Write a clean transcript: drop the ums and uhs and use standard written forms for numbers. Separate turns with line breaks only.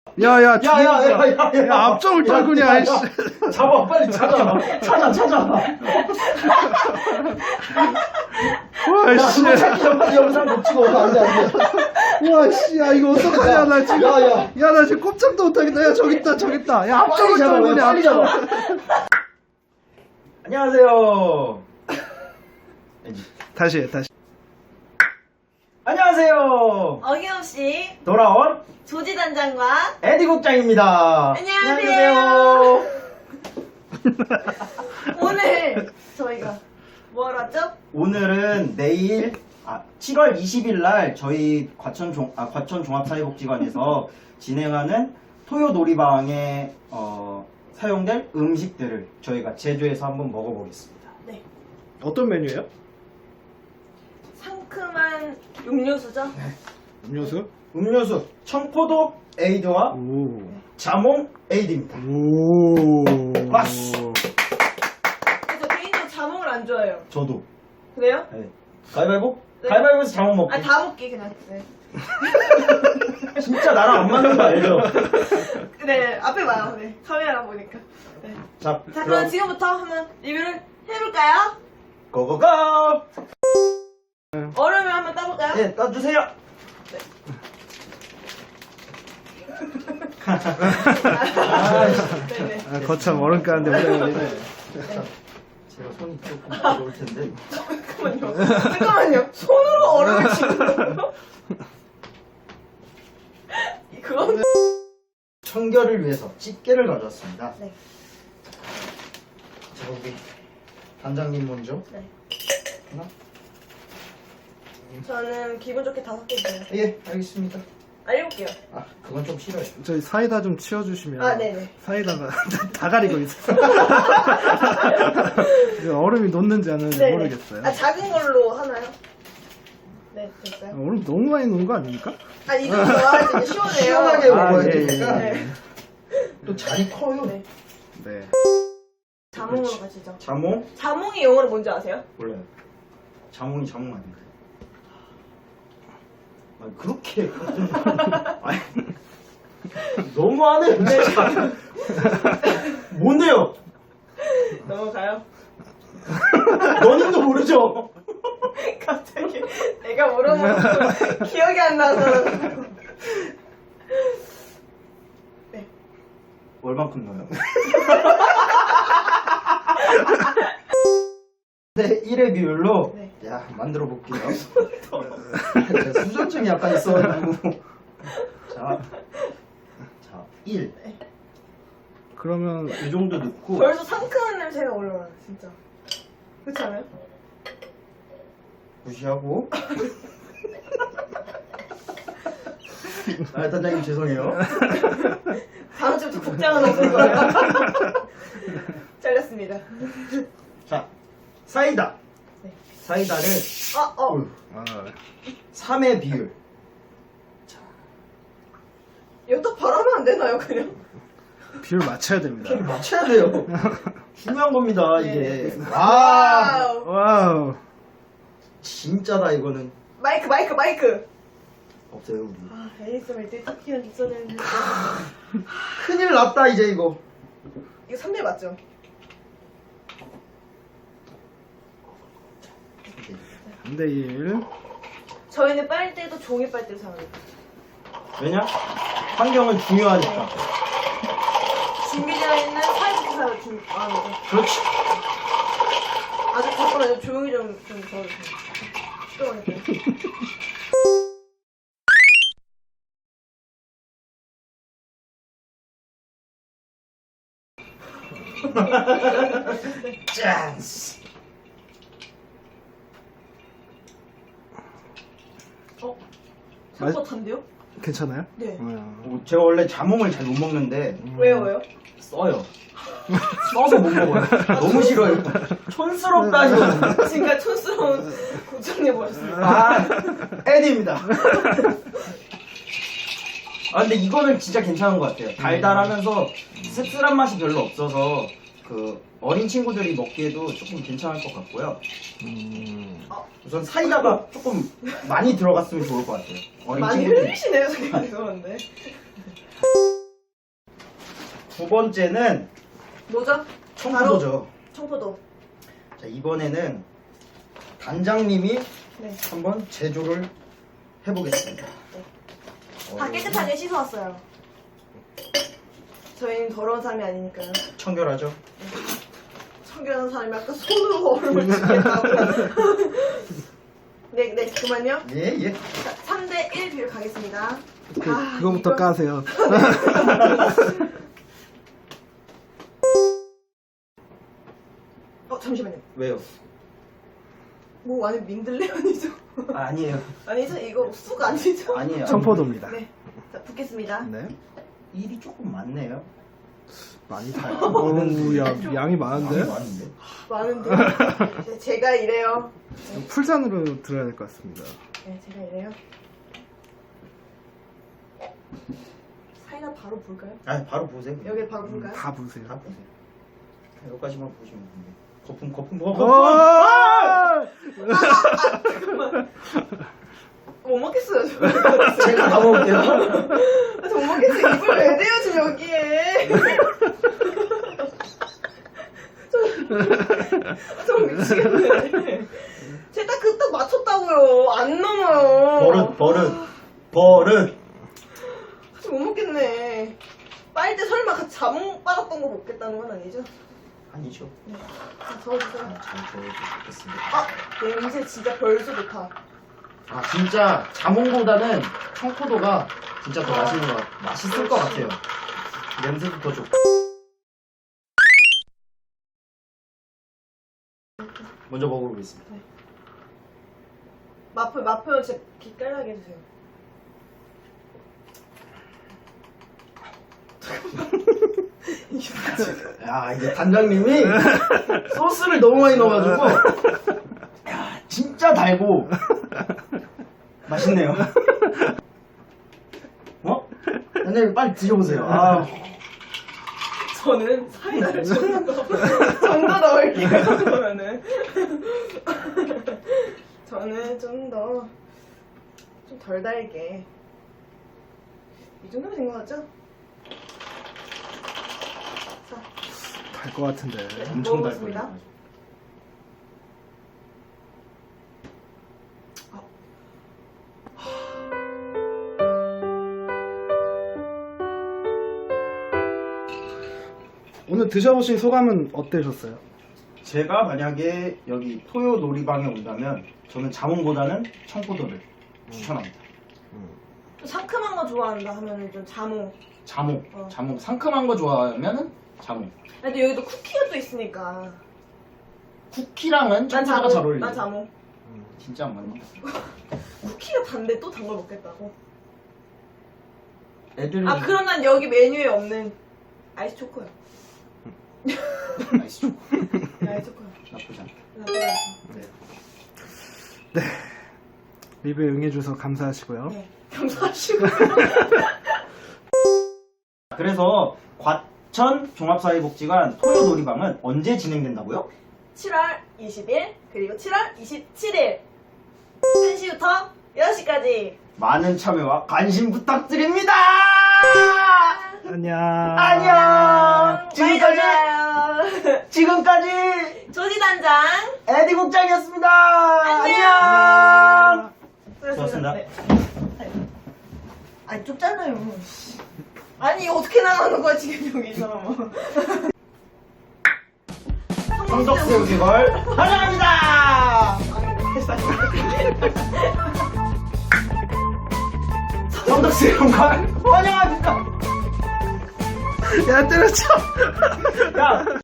야야
야야야야야
앞쪽을 떨구냐 아이씨.
잡아 빨리 찾아
와씨
찾기 전까지 영상 못 찍어 안돼
와씨 야 이거 어떡하냐 나 지금
야야
야 나 지금 꼼짝도 못하겠다. 야 저기 있다 야 앞쪽을 떨구냐
빨리 잡아 안녕하세요
다시
안녕하세요
어김없이
돌아온
조지단장과
에디 국장입니다
안녕하세요. 오늘 저희가 뭐 하러 왔죠?
오늘은 내일 7월 20일 날 저희 과천 종합사회복지관에서 진행하는 토요 놀이방에 사용될 음식들을 저희가 제조해서 한번 먹어보겠습니다.
네,
어떤 메뉴예요?
상큼한 음료수죠?
음료수?
음료수 청포도 에이드와
오.
자몽 에이드입니다.
오.
왔어.
저 개인적으로 자몽을 안 좋아해요.
저도.
그래요?
네. 가위바위보?
네.
가위바위보에서 자몽 먹기.
아니 다 먹기 그냥. 네.
진짜 나랑 안 맞는 거 알죠?
네, 앞에 봐요. 네, 카메라 보니까. 네.
자,
자, 그럼 지금부터 한번 리뷰를 해볼까요?
고고고!
얼음을 한번 따볼까요?
네, 떠주세요.
네네.
아, 거참 얼음 까는데 오래 걸리네.
제가 손이 조금 무거울 텐데.
잠깐만요. 손으로 얼음을 치는 거예요? 그건
청결을 위해서 집게를 가져왔습니다.
네.
자, 우리 단장님 먼저.
네.
하나?
저는 기분 좋게 5개 줘요.
예, 알겠습니다.
아, 7개요.
그건 좀 싫어요.
저희 사이다 좀 치워주시면.
아, 네네.
사이다가 다 가리고 있어요. 얼음이 녹는지 안 녹는지
네네.
모르겠어요.
아, 작은 걸로 하나요? 네, 됐어요.
얼음 너무 많이 녹은 거 아닙니까?
아, 이 정도 넣어야지 이제 시원해요.
시원하게 먹어야
예,
되니까.
네.
또 잔이 커요.
네.
네.
자몽으로
그렇지.
가시죠.
자몽?
자몽이 영어로 뭔지 아세요?
몰라요. 자몽이 자몽 아닌가요? 아니, 그렇게. 아니, 너무하네. 뭔데요?
넘어가요.
너님도 모르죠?
갑자기 내가 물어보고 기억이 안 나서. 네.
얼만큼 넣어요? 네, 1의 비율로
네.
야 만들어 볼게요. 수전증이 약간 있어가지고 자 1.
그러면
이 정도 넣고
벌써 상큼한 냄새가 올라와요, 진짜. 그렇지 않아요?
무시하고 단장님 죄송해요.
다음 주부터 국장은 없을 거예요. 잘렸습니다.
자 사이다.
네.
사이다를
아,
3의 비율.
이거 바라면 안 되나요, 그냥?
비율 맞춰야 됩니다.
맞춰야 돼요. 중요한 겁니다
네.
이게. 와
와우.
와우.
진짜다 이거는.
마이크.
없어요 우리.
아, ASMR 때 터키는 있어야 되는데.
큰일 났다 이제 이거.
이거 3대 맞죠?
네.
3대1.
저희는 빨대도 종이 빨대를 사용해요.
왜냐? 환경은 중요하니까.
준비되어 있는 사이즈도 사용을 하는 거죠.
그렇지.
아주 잠깐만요. 조용히 좀 저어주세요. 시끄러우니까.
짠스.
생각보다 단데요?
괜찮아요?
네.
제가 원래 자몽을 잘 못 먹는데
왜요?
써요. 써서 못 먹어요. 너무 싫어요. 촌스럽다 이거.
지금까지 촌스러운 국장님 오셨습니다.
아, 에디입니다. 근데 이거는 진짜 괜찮은 것 같아요. 달달하면서 씁쓸한 맛이 별로 없어서 그 어린 친구들이 먹기에도 조금 괜찮을 것 같고요. 우선 사이다가 조금 많이 들어갔으면 좋을 것 같아요. 어린
많이
친구들.
흘리시네요, 저기 죄송한데.
두 번째는
뭐죠?
청포도죠.
청포도.
자, 이번에는 단장님이
네.
한번 제조를 해보겠습니다.
다 깨끗하게 씻어왔어요. 저희는 더러운 사람이 아니니까요.
청결하죠?
청결한 사람이 아까 손으로 얼음을 치겠다고. 네, 그만요.
예, 예.
자, 3대1 비율 가겠습니다.
그거부터
이거-
까세요.
잠시만요.
왜요?
뭐 안에 민들레 아니죠?
아니에요.
아니죠? 이거 쑥 아니죠?
아니에요.
청포도입니다.
네. 자, 붓겠습니다.
네.
일이 조금 많네요.
많이 타요. 어우, 야, 양이 많은데?
많은데?
많은데. 네, 제가 이래요.
풀잔으로 들어야 될 것 같습니다.
네, 제가 이래요. 사이다 바로 볼까요?
아, 바로 보세요.
여기 바로 볼까요?
다 보세요.
다 보세요. 여기까지만 보시면 됩니다. 거품.
잠깐만. 못 먹겠어요, 저.
제가 다 먹을게요.
저 못 먹겠어요. 입을 왜 대요, 지금 여기에. 저 미치겠네. 제가 딱 맞췄다고요. 안 넘어요.
버릇.
같이 못 먹겠네. 빨대 설마 같이 자몽 빨았던 거 먹겠다는 건 아니죠?
아니죠.
자, 저어주세요.
잘 저어주겠습니다.
아, 냄새 진짜 별수 좋다.
아, 진짜 자몽보다는 청포도가 진짜 더 맛있을 것 같아요. 냄새도 더 좋고. 먼저 먹어보겠습니다.
맛표 진짜 기깔나게 해주세요.
야, 이게 단장님이 소스를 너무 많이 넣어가지고, 야, 진짜 달고, 맛있네요. 어? 단장님 빨리 드셔보세요. 아,
저는 사이다를 좀 더 넣을게요. 그러면은 저는 좀 덜 달게. 이 정도면 된 것 같죠? 자,
달 것 같은데.
엄청
먹어보겠습니다.
달거든요.
오늘 드셔보신 소감은 어떠셨어요?
제가 만약에 여기 토요 놀이방에 온다면 저는 자몽보다는 청포도를 추천합니다.
좀 상큼한 거 좋아한다 하면은 좀 자몽.
자몽 상큼한 거 좋아하면은 자몽.
근데 여기도 쿠키가 또 있으니까.
쿠키랑은
난
청포도가 잘
자몽.
어울려요.
난 자몽.
진짜 안 맞는 것 같아요.
쿠키가 단데 또 단 걸 먹겠다고.
애들은
아, 그럼 난 여기 메뉴에 없는 아이스 초코요.
아이스 초코
아이스 초코요.
나쁘지 않다. 네.
네. 리뷰에 응해주셔서 감사하시고요.
네. 감사하시고.
그래서 과천 종합사회복지관 토요 놀이방은 언제 진행된다고요?
7월 20일 그리고 7월 27일 1시부터 6시까지.
많은 참여와 관심 부탁드립니다.
안녕.
안녕. 지금까지
조지단장
에디 국장이었습니다.
안녕.
수고하셨습니다.
네. 아니 좁잖아요. 아니 이거 어떻게 나가는 거야 지금 여기서.
성덕새우기걸 환영합니다. 성덕새우기걸 환영합니다.
야, 때려쳐.
야.